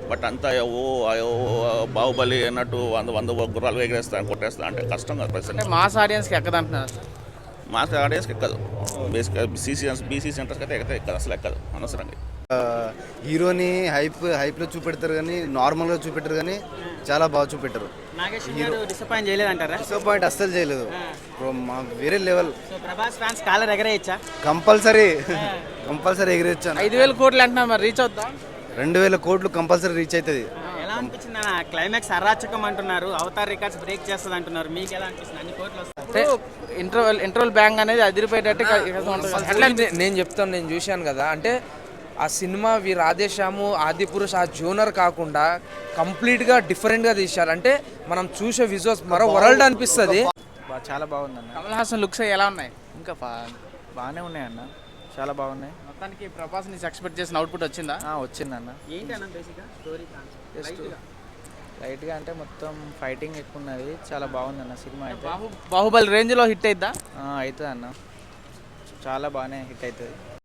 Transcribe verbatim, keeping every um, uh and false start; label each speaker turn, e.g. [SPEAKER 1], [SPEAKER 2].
[SPEAKER 1] But అంతా ఓ అయ్యో బాహుబలి అన్నట్టు వంద వంద గుర్రాలు ఎగరేస్తాను కొట్టేస్తా అంటే కష్టం కదా
[SPEAKER 2] అంటే
[SPEAKER 1] ప్రజెంట్.
[SPEAKER 2] మాస్ ఆడియన్స్కి ఎక్కదంటున్నారు సార్.
[SPEAKER 1] మాస్ ఆడియన్స్కి ఎక్కదు. బేసిక్గా బీసీ బీసీ సెంటర్స్కి అయితే ఎక్కదు ఎక్కదు అసలు ఎక్కదు అనవసరంగా.
[SPEAKER 3] హీరోని హైప్ హైప్లో చూపెడతారు కానీ నార్మల్గా చూపెట్టరు కానీ చాలా బాగా చూపెట్టారు.
[SPEAKER 4] నాగేష్ గారు డిసప్పాయింట్ చేయలేదంటారా?
[SPEAKER 3] డిసప్పాయింట్ అస్సలు చేయలేదు బ్రో, మా వేరే level.
[SPEAKER 4] So Prabhas fans collar ఎగరేయచ్చా?
[SPEAKER 3] కంపల్సరీ కంపల్సరీ ఎగిరేచ్చాను.
[SPEAKER 2] ఐదు వేల కోట్లు అంటున్నారు, మరి రీచ్ అవుతా?
[SPEAKER 3] రెండు వేల కోట్లు కంపల్సరీ రీచ్ అవుతుంది.
[SPEAKER 4] ఎలా అనిపించింది అన్న? క్లైమాక్స్ అరాచకం అంటున్నారు, అవతార్ రికార్డ్స్ బ్రేక్ చేస్తుంది అంటున్నారు. మీకు ఎలా అనిపిస్తుంది? అన్ని కోట్లు వస్తాయి
[SPEAKER 2] అంటే ఇంటర్వెల్ ఇంటర్వెల్ బ్యాంక్ అనేది అదిరిపోయేటట్టు
[SPEAKER 5] నే- నేను చెప్తాను, నేను చూశాను కదా. అంటే ఆ సినిమా వి రాధేశ్యాము ఆది పురుష్ ఆ జోనర్ కాకుండా కంప్లీట్గా డిఫరెంట్గా తీశారు. అంటే మనం చూసే విజువల్స్ మరో వరల్డ్ అనిపిస్తుంది.
[SPEAKER 6] బా- చాలా బాగుందన్న.
[SPEAKER 2] కమల్ హాసన్ లుక్స్ ఎలా ఉన్నాయి?
[SPEAKER 6] ఇంకా బా- బాగానే ఉన్నాయన్న, చాలా బాగున్నాయి.
[SPEAKER 2] మొత్తానికి ప్రభాస్ నుంచి ఎక్స్పెక్ట్ చేసిన అవుట్పుట్ వచ్చిందా?
[SPEAKER 6] ఆ, వచ్చిందన్న.
[SPEAKER 4] ఏంటి అన్న బేసిక్గా స్టోరీ
[SPEAKER 6] జస్ట్ లైట్గా అంటే మొత్తం ఫైటింగ్ ఎక్కువ ఉన్నది, చాలా బాగుందన్న సినిమా అయితే.
[SPEAKER 2] బాహు బాహుబలి రేంజ్లో హిట్ అయిద్దా?
[SPEAKER 6] అవుతుంది అన్న, చాలా బాగానే హిట్ అవుతుంది.